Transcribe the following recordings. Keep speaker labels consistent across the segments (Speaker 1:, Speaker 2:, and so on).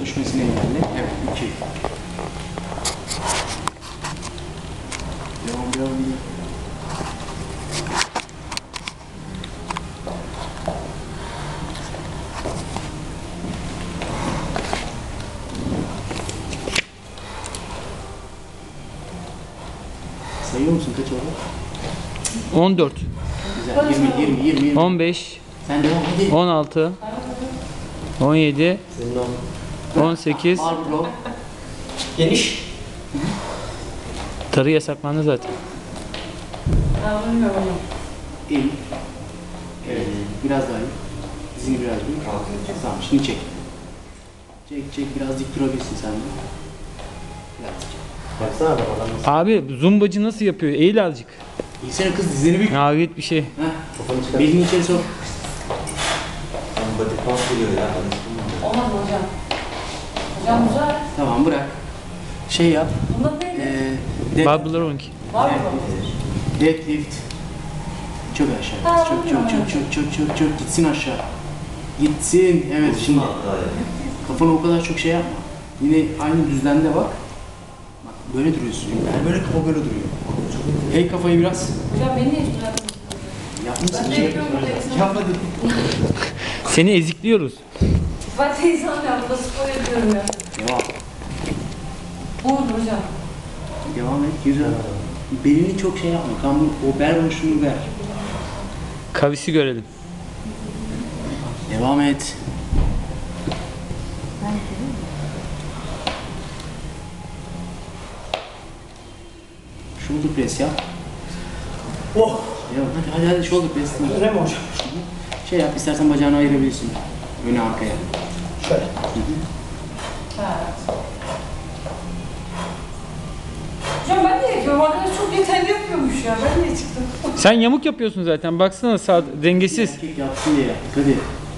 Speaker 1: düşmesini engelle. Evet, 2. Devam. Sayıyor musun kaç oldu?
Speaker 2: 14,
Speaker 1: Güzel. 20.
Speaker 2: 15,
Speaker 1: Sen devam hadi.
Speaker 2: 16, 17,
Speaker 3: Senin o
Speaker 2: 18.
Speaker 1: Barbro.
Speaker 3: geniş.
Speaker 2: Tarı yasaklandı zaten.
Speaker 1: El. Evet. Biraz daha iyi. Dizini biraz büyük. Tamam şimdi çek. Çek biraz dik durabilirsin sen de. Biraz dik.
Speaker 3: Baksana bak adam nasıl.
Speaker 2: Abi zumbacı nasıl yapıyor? Eğil azıcık.
Speaker 1: İyi kız dizini büyük.
Speaker 2: Nihayet bir şey.
Speaker 1: Heh.
Speaker 3: Kafanı çıkar.
Speaker 1: Belini içeri sok.
Speaker 3: Body pump geliyor ya.
Speaker 4: Olmaz hocam. Hocam güzel.
Speaker 1: Tamam bırak. Şey yap.
Speaker 4: Bunda neydi?
Speaker 2: Barbellar 12.
Speaker 4: Var mı?
Speaker 1: Deadlift. Çok aşağı. Çok gitsin aşağı. Gitsin. Evet şimdi. Kafana o kadar çok şey yapma. Yine aynı düzlemde bak. Bak böyle duruyorsun. Yani böyle kafa böyle duruyor. Hey kafayı biraz.
Speaker 4: Hocam beni de hiç bırakmadın.
Speaker 1: Yapmışsın.
Speaker 4: Ben de yapıyorum burada insan.
Speaker 1: Yapma dedim.
Speaker 2: Seni ezikliyoruz.
Speaker 4: Ben de insan ya. Burada spor yapıyorum ya.
Speaker 1: Devam.
Speaker 4: Olur hocam.
Speaker 1: Devam et. Güzel. Belini çok şey yapma. Tam o bel boşluğunu ver.
Speaker 2: Kavisi görelim.
Speaker 1: Devam et. Shoulder press yap.
Speaker 3: Oh!
Speaker 1: Devam. Hadi shoulder press.
Speaker 3: Öyle mi hocam?
Speaker 1: Şey yap istersen bacağını ayırabilirsin. Öne arkaya.
Speaker 3: Şöyle.
Speaker 4: Evet. Hocam ben de yapıyorum. Arkadaş çok yeterli yapıyormuş ya. Ben de çıktım.
Speaker 2: Sen yamuk yapıyorsun zaten. Baksana sağ dengesiz.
Speaker 1: Erkek yapsın diye yaptık hadi.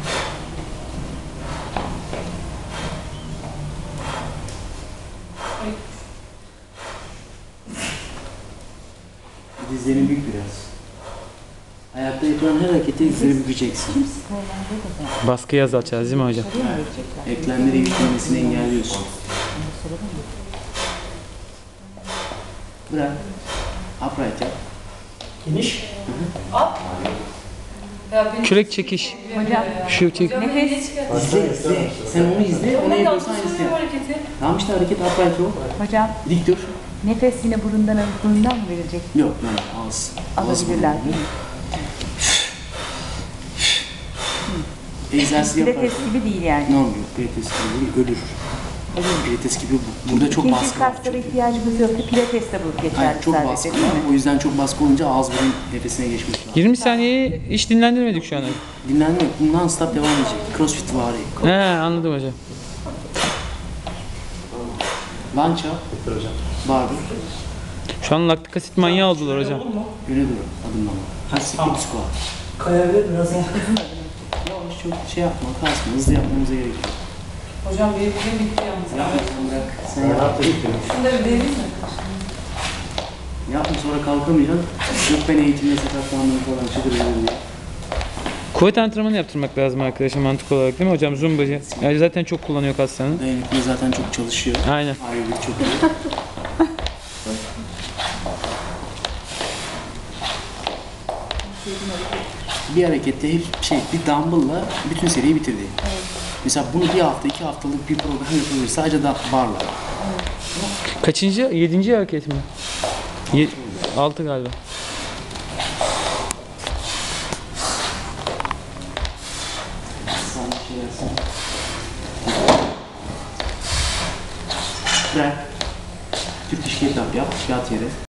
Speaker 1: Dizlerin büyük biraz. Ayakta yapılan her hareketi dizleri bükeceksin.
Speaker 2: Baskıyı azaltacağız değil mi hocam?
Speaker 1: Eklemleri yüklemesini engelliyorsun. Bırak. Upright yap.
Speaker 3: Geniş.
Speaker 4: Ya benim
Speaker 2: Kürek çekiş.
Speaker 4: hocam.
Speaker 2: Şu çek.
Speaker 4: Hocam beni de çıkar.
Speaker 1: İzle. Sen onu izle. Ona
Speaker 4: Onu da
Speaker 1: yapıyorsan aynısını
Speaker 4: tutuyorum
Speaker 1: yap.
Speaker 4: hareketi.
Speaker 1: Tamam işte hareket upright ol.
Speaker 5: Hocam
Speaker 1: Dik dur.
Speaker 5: nefes yine burundan alıp burundan mı verecek?
Speaker 1: Yok yani ağız.
Speaker 5: Alabilirler değil mi?
Speaker 1: Egzersiz yapar.
Speaker 5: Pilates gibi değil yani.
Speaker 1: Ne oluyor? Pilates gibi değil, ölür. Pilates gibi burada çok
Speaker 5: İkinci
Speaker 1: baskı var.
Speaker 5: kaslara ihtiyacımız yok. Pilates de bu geçerli
Speaker 1: Hayır, çok
Speaker 5: sadece
Speaker 1: baskı
Speaker 5: değil
Speaker 1: var.
Speaker 5: mi?
Speaker 1: O yüzden çok baskı olunca ağız burun nefesine geçmiş lazım.
Speaker 2: 20 saniyeyi hiç dinlendirmedik şu an.
Speaker 1: Dinlenme yok. Non stop devam edecek. Crossfit vari.
Speaker 2: He anladım hocam.
Speaker 1: Lunge yap.
Speaker 3: Bitir hocam.
Speaker 1: Bardır.
Speaker 2: Şu an laktik asit manyağı oldular hocam.
Speaker 1: Öyle dur. Adımlama. Split squat.
Speaker 3: Kayabilir biraz ya.
Speaker 1: Yavaş çok şey yapma. Kasma. Hızlı yapmamıza gerek yok.
Speaker 4: Hocam benim bitti yalnız.
Speaker 1: Yapma sen bırak. Sen
Speaker 3: Ne
Speaker 1: yap.
Speaker 3: yaptı?
Speaker 4: Şunu da bir deneyim mi?
Speaker 1: Yapma sonra kalkamayacaksın. Yok ben eğitimde sakatlandım falan. Çıdır diye.
Speaker 2: Kuvvet antrenmanı yaptırmak lazım arkadaşlar mantık olarak değil mi hocam? Zumbacı. Yani zaten çok kullanıyor kaslarını.
Speaker 1: Dayanıklı zaten çok çalışıyor.
Speaker 2: Aynen.
Speaker 1: Aerobik çok iyi. Bir harekette hep bir dumbbell'la bütün seriyi bitirdi. Mesela bunu bir hafta, 2 haftalık bir program yapabilir. Sadece da barla.
Speaker 2: Kaçıncı? 7. hareket mi? 6 galiba.
Speaker 1: Sen şey yapsana. Bırak. Türk iş yap, yat yere.